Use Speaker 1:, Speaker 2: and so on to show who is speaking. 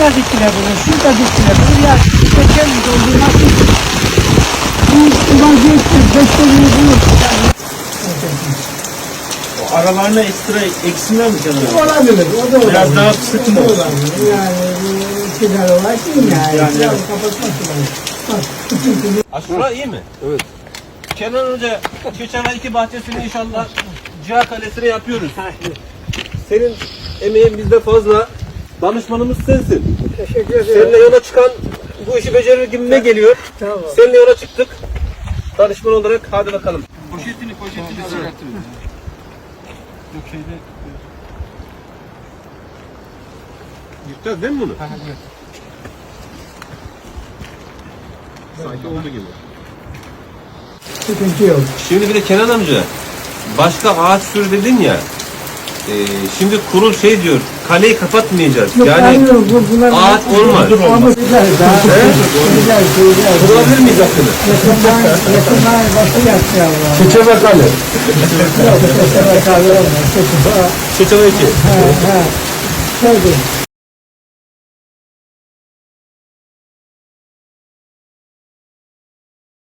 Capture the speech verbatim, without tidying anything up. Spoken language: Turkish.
Speaker 1: Şurada diktiler bunu, şurada diktiler bunu. Ya geçen yıl oldu nasıl? Bu vaziyette beşlerini bulur.
Speaker 2: O aralarına ekstra eksinler mi canım?
Speaker 1: Olabilir, o da olabilir.
Speaker 2: Biraz daha sıkı mı olsun?
Speaker 1: Yani bu sigara olarak değil yani.
Speaker 2: Yani
Speaker 1: Biraz
Speaker 2: evet.
Speaker 1: kapatması lazım.
Speaker 3: Aşura iyi mi? Evet. Kenan Hoca geçen ay iki bahçesini inşallah Ciha Kalesi'ne yapıyoruz. Senin emeğin bizde fazla. Danışmanımız sensin.
Speaker 1: Teşekkür ederim.
Speaker 3: Seninle yola çıkan bu işi becerir gibime geliyor.
Speaker 1: Tamam.
Speaker 3: Seninle yola çıktık. Danışman olarak hadi bakalım. Poşetini poşetini hazırlattınız. Yok şeyde. Yıkacağız değil mi bunu? Evet. Sanki oldu gibi.
Speaker 1: Sıkıntı yok.
Speaker 3: Şimdi bir de Kenan amca, başka ağaç sürü dedin ya, e, şimdi kurul şey diyor, kaleyi kapatmayacağız.
Speaker 1: Yok,
Speaker 3: yani
Speaker 1: hayır, bu, bunlar
Speaker 3: ağaç olmaz.
Speaker 1: Ama güzel, daha güzel, güzel, güzel.
Speaker 3: Bulabilir miyiz hakkını?
Speaker 1: Yakından, yakından başı yattı ya.
Speaker 2: Çiçeğe kale.
Speaker 1: Yok, çeşme kalır olmaz. Çeşme,
Speaker 3: Çeçen iki.
Speaker 1: ha, ha. Şeydi,